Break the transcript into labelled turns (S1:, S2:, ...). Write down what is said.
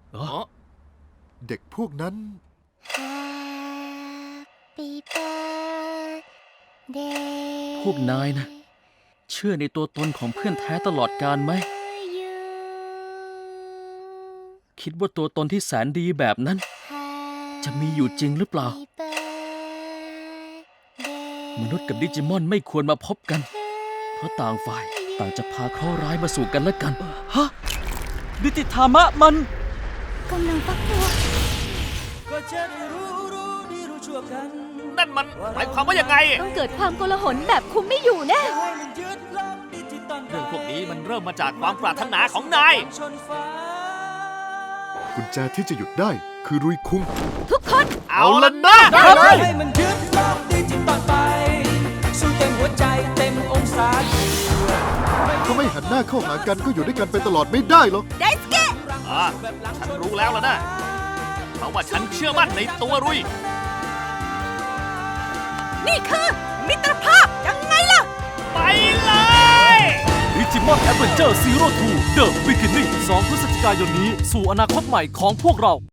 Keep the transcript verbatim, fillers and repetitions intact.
S1: อ๋อ
S2: เด็กพวกนั้น
S3: Happy birthday
S1: พวกนายนะ เชื่อในตัวตนของเพื่อนแท้ตลอดกาลไหม
S3: you
S1: คิดว่าตัวตนที่แสนดีแบบนั้น จะมีอยู่จริงหรือเปล่า
S3: Happy birthday
S1: มนุษย์กับดิจิมอนไม่ควรมาพบกัน เพราะต่างฝ่ายต่างจะพาเคราะห์ร้ายมาสู่กันและกัน ฮะ ดิจิธามะมัน
S3: กำลังฟักตัว
S4: นั่นมันหมายความว่ายังไง
S3: ต้องเกิดความโกลาหลแบบคุมไม่อยู่แน่
S4: เรื่องพวกนี้มันเริ่มมาจากความปรารถนาของนาย
S2: กุญแจที่จะหยุดได้คือรุยคุง
S3: ทุกคน
S4: เอาละนะ
S5: ให้มันยึดโลกดิจิตอลไป สู้เต็มหัวใจเต็มองศา
S2: ถ้าไม่หันหน้าเข้าหากันก็อยู่ด้วยกันไปตลอดไม่ได้หรอก
S3: ไดสเกะ
S4: อ่าฉันรู้แล้วล่ะนะ เพราะว่าฉันเชื่อมั่นในตัวรุย
S3: นี่คือมิตรภาพยังไงล่ะ
S4: ไปเลย
S1: ดิจิมอนแอดเวนเจอร์ซีโร่ทู The Beginning สองพฤศจิกายนนี้สู่อนาคตใหม่ของพวกเรา